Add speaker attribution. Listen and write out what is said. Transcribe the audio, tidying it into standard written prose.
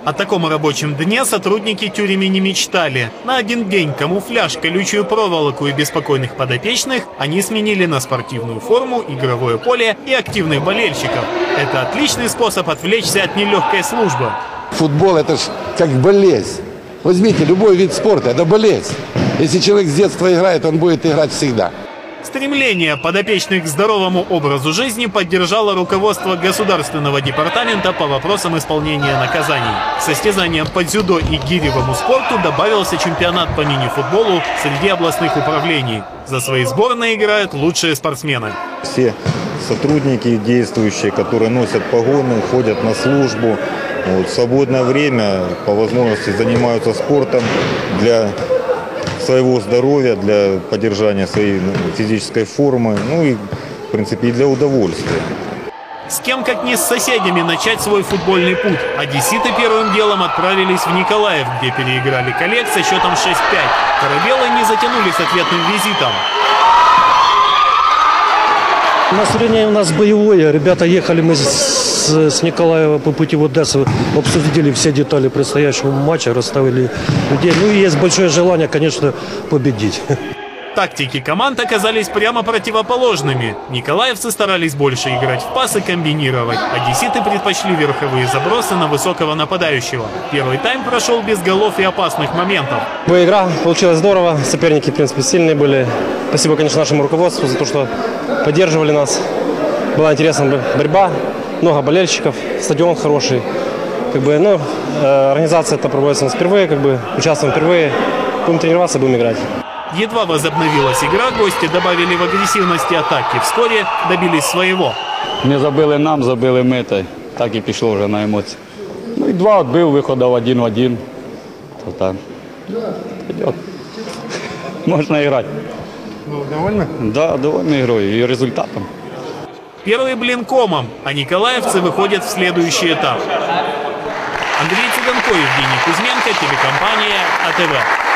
Speaker 1: О таком рабочем дне сотрудники тюрьмы не мечтали. На один день камуфляж, колючую проволоку и беспокойных подопечных они сменили на спортивную форму, игровое поле и активных болельщиков. Это отличный способ отвлечься от нелегкой службы.
Speaker 2: Футбол – это ж как болезнь. Возьмите любой вид спорта – это болезнь. Если человек с детства играет, он будет играть всегда.
Speaker 1: Стремление подопечных к здоровому образу жизни поддержало руководство Государственного департамента по вопросам исполнения наказаний. К состязаниям по дзюдо и гиревому спорту добавился чемпионат по мини-футболу среди областных управлений. За свои сборные играют лучшие спортсмены.
Speaker 3: Все сотрудники действующие, которые носят погоны, ходят на службу, в свободное время по возможности занимаются спортом для своего здоровья, для поддержания своей физической формы, ну и, в принципе, и для удовольствия.
Speaker 1: С кем, как не с соседями, начать свой футбольный путь. Одесситы первым делом отправились в Николаев, где переиграли коллег со счетом 6-5. Корабелы не затянули с ответным визитом.
Speaker 4: Настроение у нас боевое. Ребята ехали мы с Николаева по пути в Одессу, обсудили все детали предстоящего матча, расставили людей. Ну и есть большое желание, конечно, победить.
Speaker 1: Тактики команд оказались прямо противоположными. Николаевцы старались больше играть в пас и комбинировать. Одесситы предпочли верховые забросы на высокого нападающего. Первый тайм прошел без голов и опасных моментов.
Speaker 4: Игра получилась здорово. Соперники, в принципе, сильные были. Спасибо, конечно, нашему руководству за то, что поддерживали нас. Была интересная борьба, много болельщиков, стадион хороший. Организация это проводится у нас впервые, участвуем впервые. Будем тренироваться, будем играть.
Speaker 1: Едва возобновилась игра, гости добавили в агрессивности атаки. Вскоре добились своего.
Speaker 5: Не забили нам, забили ми, так і пішло вже на емоції. Ну і 2 відбив, виходив 1 в 1. То так. Пойдет. Можно играть.
Speaker 2: Довольны?
Speaker 5: Да, довольны игрой и результатом.
Speaker 1: Первый блин комом, а николаевцы выходят в следующий этап. Андрей Цыганко, Евгений Кузьменко, телекомпания АТВ.